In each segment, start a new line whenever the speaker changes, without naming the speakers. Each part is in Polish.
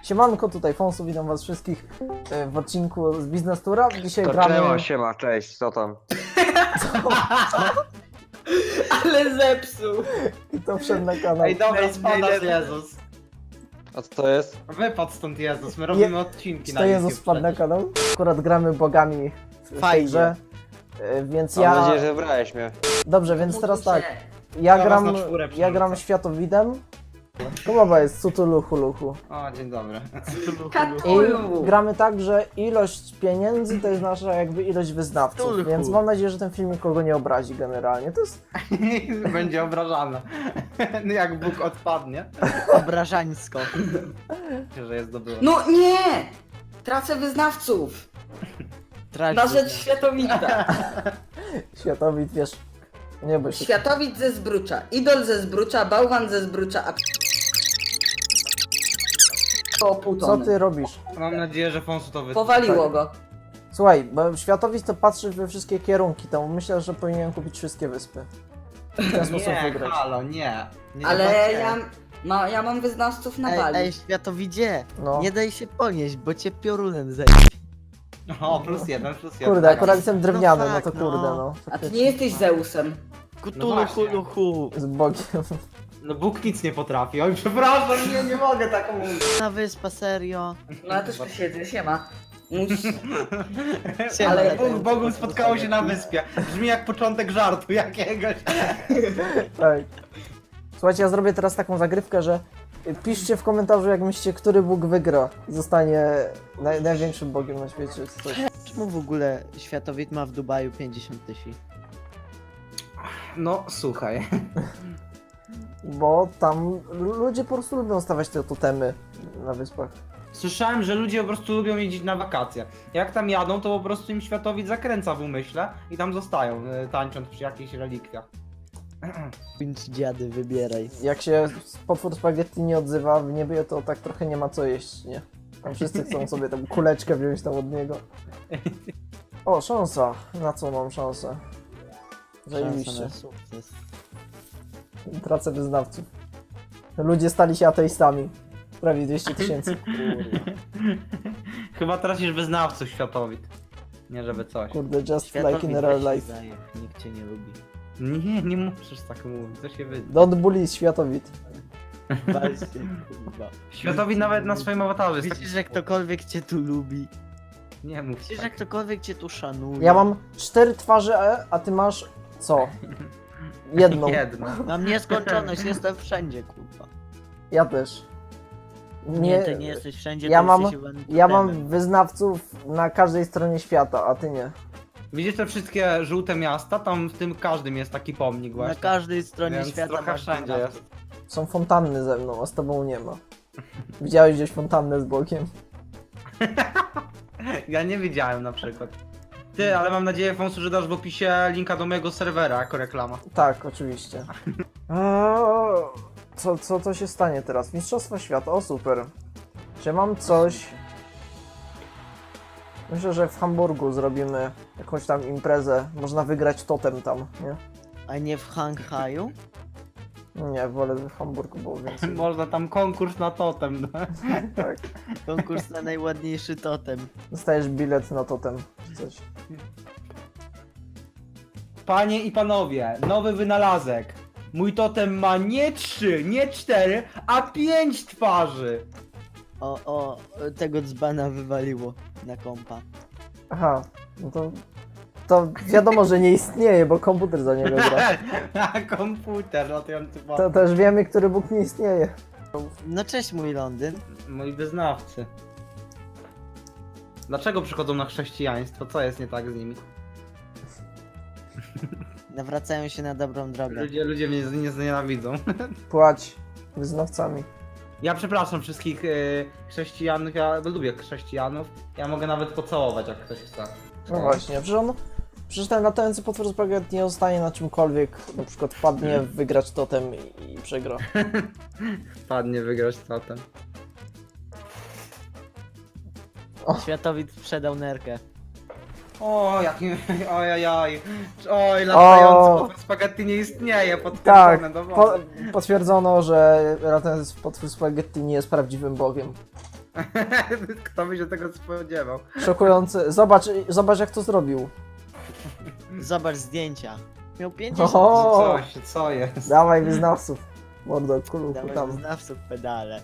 Siemanko, tutaj Fonsu, witam was wszystkich w odcinku z Biznes Tura. Dzisiaj
To
gramy...
siema, cześć, co tam?
Ale zepsuł!
I to wszedł na kanał.
Ej, dobra, spada z Jezus.
A co to jest?
Wypadł stąd Jezus, my robimy odcinki
Czy
na
to
YouTube
Jezus wpadł na
przecież.
kanał? Akurat gramy bogami w tej
Fajnie.
grze. Więc
Mam
ja...
nadzieję, że wybrałeś mnie.
Dobrze, więc teraz tak. Ja
Ja
gram,
was na czwórę
ja
przerzucę.
gram światowidem. Kumowa jest Cutuluchu Luchu.
O, dzień dobry.
I gramy tak, że ilość pieniędzy to jest nasza jakby ilość wyznawców,
Cthulhu.
więc mam nadzieję, że ten filmik kogo nie obrazi generalnie. To jest...
Będzie obrażane. Jak Bóg odpadnie,
Obrażańsko.
że jest dobry.
No nie! Tracę wyznawców!
Traci.
Na rzecz światowita.
Światowid, wiesz... Nie bój się.
Światowit ze Zbrucza, Idol ze Zbrucza, Bałwan ze Zbrucza, a o pół
Co
tony.
ty robisz?
Mam nadzieję, że Fonsu to wytnie.
Powaliło go.
Słuchaj, bo Światowid to patrzy we wszystkie kierunki, to myślę, że powinien kupić wszystkie wyspy. W ten sposób
Nie,
wygrać.
halo, nie. Nie
Ale
zobaczcie.
ja mam wyznawców na
Ej,
bali.
światowidzie,
No.
nie daj się ponieść, bo cię piorunem zejdzie.
O, plus jeden.
Kurde, akurat jestem drewniany, no
tak,
to kurde,
no.
no.
A ty nie jesteś Zeusem.
Kutulu,
właśnie.
huluhu.
Z Bogiem.
No Bóg nic nie potrafi. Oj, przepraszam, nie mogę tak mówić.
Na wyspa, serio.
No ja też tu siedzę, siema.
Siema,
Ale
na
Bóg z Bogiem spotkało się na wyspie. Brzmi jak początek żartu jakiegoś.
Tak. Słuchajcie, ja zrobię teraz taką zagrywkę, że piszcie w komentarzu, jak myślicie, który Bóg wygra i zostanie największym Bogiem na świecie, czy coś.
Czemu w ogóle światowid ma w Dubaju 50 000?
No, słuchaj.
Bo tam ludzie po prostu lubią stawiać te totemy na wyspach.
Słyszałem, że ludzie po prostu lubią jeździć na wakacje. Jak tam jadą, to po prostu im światowid zakręca w umyśle i tam zostają, tańcząc przy jakichś relikwiach.
Więc dziady, wybieraj.
Jak się potwór spaghetti nie odzywa w niebie, to tak trochę nie ma co jeść, nie? Tam wszyscy chcą sobie tą kuleczkę wziąć tam od niego. O, szansa. Na co mam szansę?
Szansa
Zajebiście.
na sukces.
Tracę wyznawców. Ludzie stali się ateistami. Prawie 200 000.
Chyba tracisz wyznawców światowid. Nie żeby coś.
Kurde, just
Światowid
like in real
weź się
life.
zajeb, nikt cię nie lubi.
Nie musisz tak mówić, co się wyda.
Don't bully światowid.
Wal się, kurwa.
Światowid nawet na swoim awatarze jest
Widzisz, że ktokolwiek cię tu lubi.
Nie mów
Widzisz, że
tak.
ktokolwiek cię tu szanuje.
Ja mam 4 twarze, a ty masz co? Jedną.
Jedno.
Mam nieskończoność, jestem wszędzie, kurwa.
Ja też.
Nie, ty nie jesteś wszędzie,
ja
ty
mam-
jesteś one
Ja mam
totemem.
wyznawców na każdej stronie świata, a ty nie.
Widzisz te wszystkie żółte miasta? Tam w tym każdym jest taki pomnik
Na
właśnie.
każdej stronie
Więc
świata
trochę
masz
wszędzie
wyznawców.
jest.
Są fontanny ze mną, a z tobą nie ma. Widziałeś gdzieś fontannę z bokiem?
Ja nie widziałem na przykład. Ty, ale mam nadzieję, Fonsu, że dasz w opisie linka do mojego serwera jako reklama.
Tak, oczywiście. Co się stanie teraz? Mistrzostwa świata, o super. Czy mam coś... Myślę, że w Hamburgu zrobimy jakąś tam imprezę. Można wygrać totem tam, nie?
A nie w Hanghaju?
Nie, wolę w Hamburgu było więcej.
Można tam konkurs na totem. No.
Tak.
Konkurs na najładniejszy totem.
Dostajesz bilet na totem, czy coś.
Panie i panowie, nowy wynalazek. Mój totem ma nie 3, nie 4, a 5 twarzy.
O, tego dzbana wywaliło na kompa.
Aha, no to wiadomo, że nie istnieje, bo komputer za niego gra.
Na komputer latający
To też wiemy, który Bóg nie istnieje.
No cześć mój Londyn.
Moi wyznawcy. Dlaczego przychodzą na chrześcijaństwo? Co jest nie tak z nimi?
Nawracają się na dobrą drogę.
Ludzie mnie nie znienawidzą.
Płać wyznawcami.
Ja przepraszam wszystkich chrześcijanów, ja lubię chrześcijanów. Ja mogę nawet pocałować, jak ktoś chce.
No właśnie, przecież ten latający potwór spaghetti nie zostanie na czymkolwiek, na przykład wpadnie w wygrać totem i przegra.
Padnie wygrać totem.
Światowid sprzedał nerkę.
O, jaki... Ojajaj. Oj, latający potwór spaghetti nie istnieje,
Tak,
potwierdzone dowody.
potwierdzono, że latający potwór spaghetti nie jest prawdziwym bogiem.
Kto by się tego spodziewał?
Szokujące. Zobacz jak to zrobił.
Zobacz zdjęcia. Miał 50.
Oho!
Co jest?
Dawaj wyznawców. Mordo, kuluchu
Dawaj
tam.
wyznawców pedale.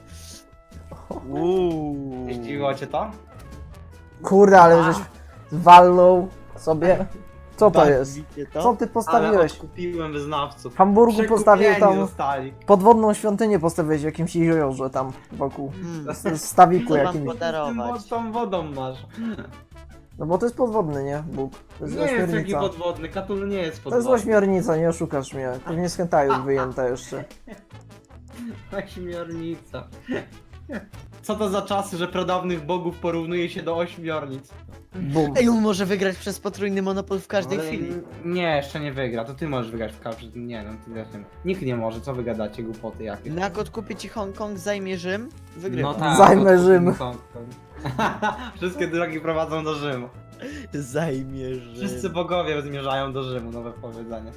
Zdziwiło cię to?
Kurde, ale żeś walnął sobie. Co to
Tak,
jest?
Widzicie
Co
to?
ty
Ale
postawiłeś?
kupiłem wyznawców.
W Hamburgu postawił tam
Zostali.
podwodną świątynię, postawiłeś w jakimś jeziorze tam wokół. W stawiku
Co wam
jakimś.
podarować?
Z tą wodą masz.
No bo to jest podwodny, nie? Bóg. To jest
Nie jest taki
ośmiornica.
podwodny, Katul nie jest
To jest
podwodny.
ośmiornica, nie oszukasz mnie. Pewnie z hentai wyjęta jeszcze.
Ośmiornica. Co to za czasy, że pradawnych bogów porównuje się do ośmiornic?
Bum.
Ej, on może wygrać przez potrójny monopol w każdej
Ale
chwili.
Nie, jeszcze nie wygra, to ty możesz wygrać w każdym. Nie no, ty też nie. Nikt nie może, co wy gadacie, głupoty jakieś.
Jak odkupię ci Hongkong, zajmie Rzym, wygrywa.
No tak.
Zajmę
odkup
Rzym.
mu Hongkong. Wszystkie drogi prowadzą do Rzymu.
Zajmie Rzym.
Wszyscy bogowie zmierzają do Rzymu, nowe powiedzenie.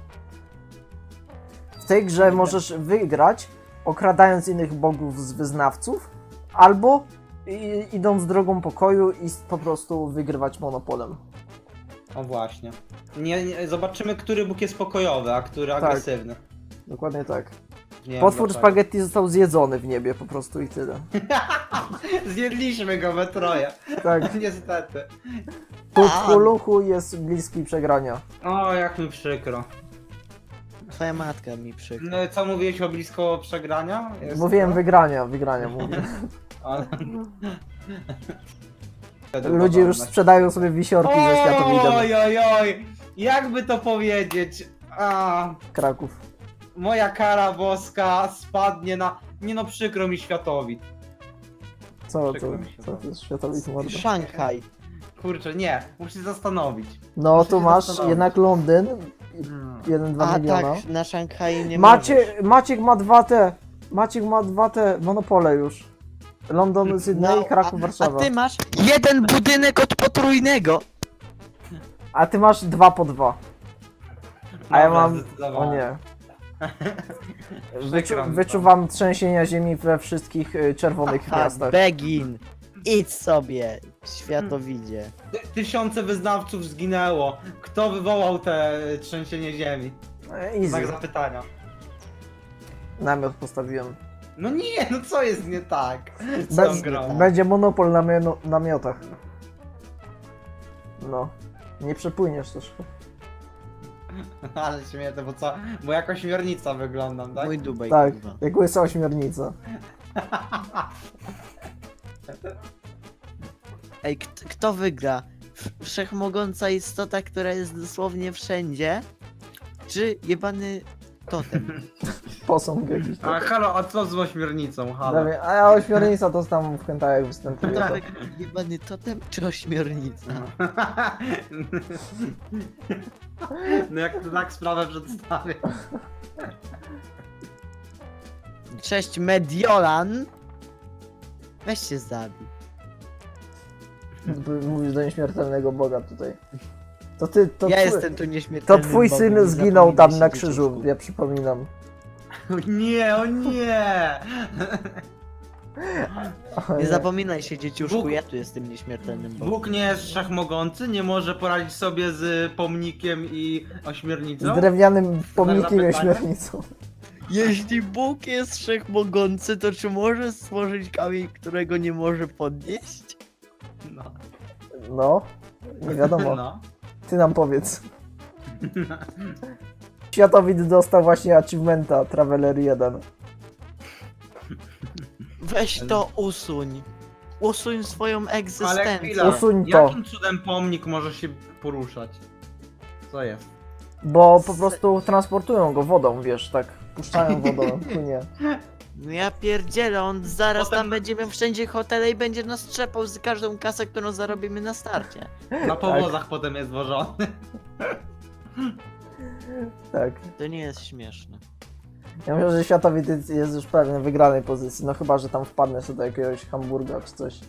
W tej grze możesz wygrać, okradając innych bogów z wyznawców, albo idąc drogą pokoju i po prostu wygrywać monopolem.
O właśnie. Zobaczymy, który Bóg jest pokojowy, a który
Tak.
agresywny.
Dokładnie tak.
Nie wiem
Potwór
dlaczego.
spaghetti został zjedzony w niebie po prostu i tyle.
Zjedliśmy go we troje.
Tak.
Niestety.
Cthulhu jest bliski przegrania.
O, jak mi przykro.
Twoja matka mi przykro.
No, co mówiłeś o blisko przegrania? Jest
Mówiłem
to?
wygrania mówię.
Ale...
Ludzie już sprzedają sobie wisiorki ze światowidem.
Oj, oj, oj! Jakby to powiedzieć? A,
Kraków.
moja kara boska spadnie na... Nie no, przykro mi światowid.
Co
Przykro mi się
to
bardzo.
jest światowid mordo?
Szanghaj.
Kurczę, nie, muszę się zastanowić.
No
Muszę
tu
się
masz
zastanowić.
jednak Londyn.
Hmm.
1-2
A
miliona.
tak, na Szanghaju nie możesz.
Maciek ma dwa te monopole już. London, Sydney, Kraków,
a
Warszawa.
ty masz jeden budynek od potrójnego.
A ty masz 2 po 2. A ja
Dobra,
mam... O
zdecydowanie.
nie.
Przykro mi to.
Wyczuwam trzęsienia ziemi we wszystkich czerwonych
Tak,
miastach.
Begin. Idź sobie, światowidzie.
Tysiące wyznawców zginęło. Kto wywołał te trzęsienie ziemi? Znak
Easy.
zapytania.
Namiot postawiłem.
No nie, no co jest nie tak? Z tą
Bez,
grą?
będzie monopol na namiotach. No. Nie przepłyniesz też.
Ale śmieszne, bo co? Bo jak ośmiornica wyglądam, tak?
Mój Dubaj,
Tak,
kurwa.
jak łysa ośmiornica.
Ej, kto wygra? Wszechmogąca istota, która jest dosłownie wszędzie? Czy jebany totem?
Posąg jakiś
A
tak.
halo, a co z ośmiornicą? Halo.
A ja ośmiornica to tam w hentajach występuje.
Kto
To.
wygra? Jebany totem czy ośmiornica?
No jak to tak sprawę przedstawię.
Cześć Mediolan! Weź się zabij.
Mówisz do nieśmiertelnego Boga tutaj. To ty, to
Ja
twój,
jestem tu
to
nieśmiertelny.
twój syn zginął tam na krzyżu, ja przypominam.
O nie, o nie!
Nie zapominaj się, dzieciuszku,
Bóg-
ja tu jestem nieśmiertelnym Bogiem.
Bóg nie jest wszechmogący, nie może poradzić sobie z pomnikiem i ośmiornicą?
Z drewnianym pomnikiem i
zapytania?
ośmiornicą.
Jeśli Bóg jest wszechmogący, to czy może stworzyć kamień, którego nie może podnieść?
No.
No, nie wiadomo.
No.
Ty nam powiedz. Światowid dostał właśnie achievementa Traveler 1.
Weź to usuń. Usuń swoją
Ale
egzystencję.
chwila,
Usuń to.
jakim cudem pomnik może się poruszać? Co jest?
Bo po prostu transportują go wodą, wiesz, tak. Puszczają wodą, płynie.
No ja pierdzielę, on zaraz
Potem-
tam będzie miał wszędzie hotele i będzie nas trzepał z każdą kasę, którą zarobimy na starcie.
Na powozach potem jest wożony.
Tak.
To nie jest śmieszne.
Ja myślę, że Światowid jest już prawie w wygranej pozycji, no chyba, że tam wpadnę sobie do jakiegoś Hamburga czy coś.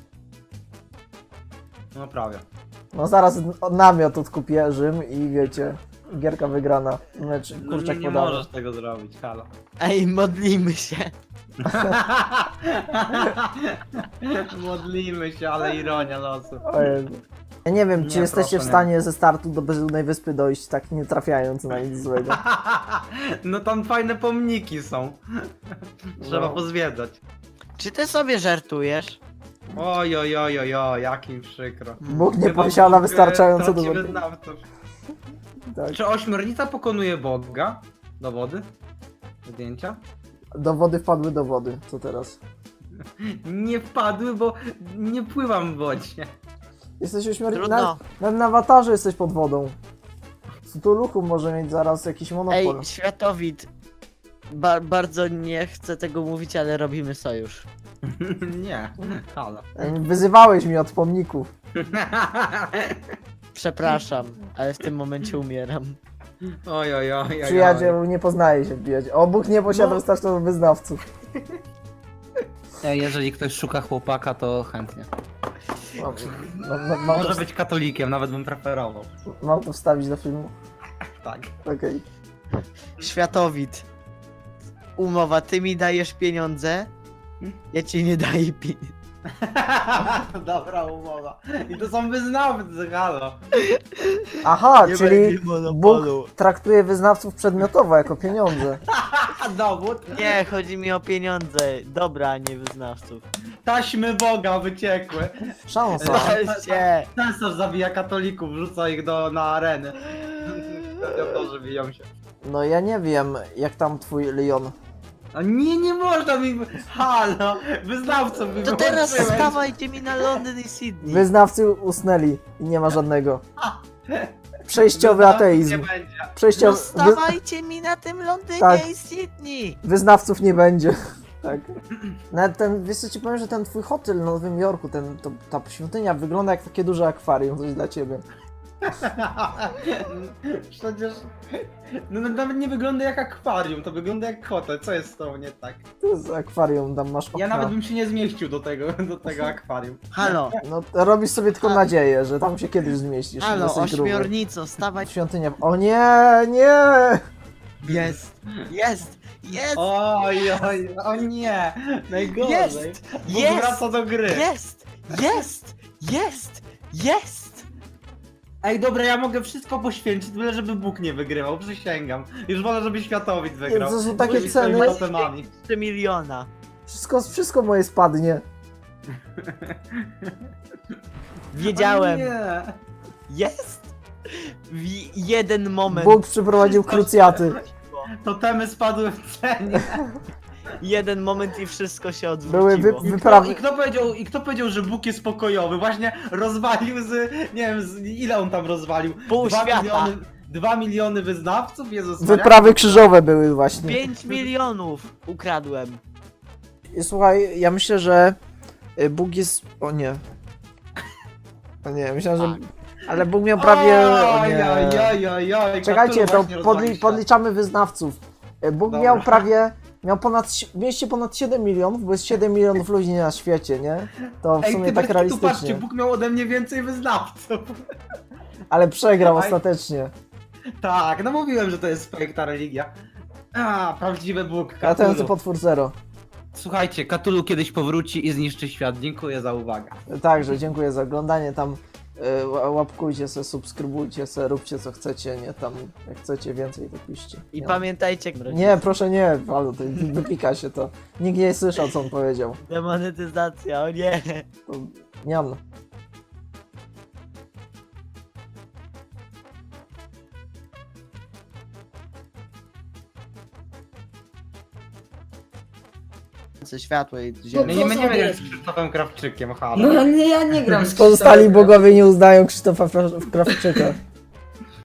No prawie.
No zaraz namiot odkupię Rzym i wiecie, gierka wygrana. Mecz,
No,
kurczak
nie
podany.
możesz tego zrobić, halo.
Ej, modlimy się.
Modlimy się, ale ironia losu.
O Jezu. Ja nie wiem, czy
Nie,
jesteście
proszę,
w stanie ze startu do Bezludnej Wyspy dojść, tak nie trafiając na nic złego.
No tam fajne pomniki są. Trzeba
No.
pozwiedzać.
Czy ty sobie żartujesz?
Oj, oj, oj, oj, oj, jak mi przykro.
Bóg nie
Chyba
posiada
Bóg,
wystarczająco
traci
dowodów.
wyznawców.
Tak.
Czy ośmiornica pokonuje Boga? Dowody? Zdjęcia?
Dowody wpadły do wody, co teraz?
Nie wpadły, bo nie pływam w wodzie.
Jesteś ośmiornicą.
Trudno.
Nawet na awatarze jesteś pod wodą. Cthulhu może mieć zaraz jakiś monopol.
Ej, Światowid. Bardzo nie chcę tego mówić, ale robimy sojusz.
Nie, halo.
Wyzywałeś mnie od pomników.
Przepraszam, ale w tym momencie umieram.
Oj, oj, oj, oj.
Przyjaciel nie poznaje się wbijać. O, Bóg nie posiada
No.
wystarczająco wyznawców.
Jeżeli ktoś szuka chłopaka, to chętnie.
Mam
Może
to,
być katolikiem, nawet bym preferował.
mam to wstawić do filmu?
Tak.
Okej.
Światowid. Umowa, ty mi dajesz pieniądze, ja ci nie daję pieniędzy.
Dobra umowa. I to są wyznawcy, halo.
Aha,
Nie
czyli
będzie monopolu.
Bóg traktuje wyznawców przedmiotowo, jako pieniądze.
A dowód?
Nie, chodzi mi o pieniądze. Dobra, a nie wyznawców.
Taśmy Boga wyciekły.
Szansa.
Weźcie!
Cesarz zabija katolików, wrzuca ich na areny. Gladiatorzy biją się.
No ja nie wiem, jak tam twój Leon.
A nie można mi... Halo, wyznawców mi
To teraz
wyłączyłeś.
stawajcie mi na Londyn i Sydney.
Wyznawcy usnęli i nie ma żadnego. Przejściowy
Wyznawców
ateizm.
Nie będzie.
No
Przejściowy...
stawajcie mi na tym Londynie
Tak.
i Sydney.
Wyznawców nie będzie. Tak. Nawet ten, wiesz co ci powiem, że ten twój hotel w Nowym Jorku, ta świątynia wygląda jak takie duże akwarium, coś dla ciebie.
Przecież... No nawet nie wygląda jak akwarium, to wygląda jak hotel. Co jest z tobą nie tak?
To jest akwarium, tam masz okna.
Ja nawet bym się nie zmieścił do tego akwarium.
Halo,
No robisz sobie tylko nadzieję, że tam się kiedyś zmieścisz.
halo,
jesteś gruby.
ośmiornico, stawaj.
Świątynia... O nie, nie!
Jest, jest, jest,
Oj, oj, o nie! Najgorzej.
Jest!
Bóg
Jest!
wraca do gry.
jest, jest, jest, jest.
Ej, dobra, ja mogę wszystko poświęcić, byle żeby Bóg nie wygrywał, przysięgam. Już wolę, żeby Światowid wygrał.
To są takie
Żeby swoimi
ceny.
totemami.
3 miliona.
Wszystko moje spadnie.
Wiedziałem.
O nie.
Jest. Jeden moment.
Bóg przyprowadził krucjaty.
Totemy spadły w cenie.
Jeden moment i wszystko się
Były
odwróciło.
wyprawy...
I kto powiedział, że Bóg jest pokojowy? Właśnie rozwalił nie wiem, ile on tam rozwalił?
Pół świata.
2 miliony wyznawców? Jezus Maria.
Wyprawy krzyżowe były właśnie.
5 milionów ukradłem.
I słuchaj, ja myślę, że Bóg jest... O nie. O nie, myślałem, że...
Tak.
Ale Bóg miał prawie... O
Oj,
nie.
oj, oj, oj, oj,
Czekajcie,
Cthulhu
to
właśnie rozwalił
podliczamy wyznawców. Bóg
Dobra.
miał prawie... Mieście ponad 7 milionów, bo jest 7 milionów ludzi na świecie, nie? To w
Ej,
sumie
ty
tak
patrzcie,
realistycznie.
Bóg miał ode mnie więcej wyznawców.
Ale przegrał
Aj.
ostatecznie.
Tak, no mówiłem, że to jest fake ta religia. A, prawdziwy Bóg,
Latający
Cthulhu.
potwór zero.
Słuchajcie, Cthulhu kiedyś powróci i zniszczy świat. Dziękuję za uwagę.
Także dziękuję za oglądanie. Tam łapkujcie se, subskrybujcie se, róbcie co chcecie, nie? Tam jak chcecie więcej, to piszcie.
I
Nie?
pamiętajcie,
Nie, proszę nie, Palu, to wypika się to. Nikt nie słyszał, co on powiedział.
demonetyzacja, o nie.
To, niam.
Światło i
No
ziemię.
My
co
nie będziemy
sobie?
grać z Krzysztofem Krawczykiem, halo.
No nie, ja nie gram z
Pozostali
Krzysztofem.
bogowie nie uznają Krzysztofa Krawczyka.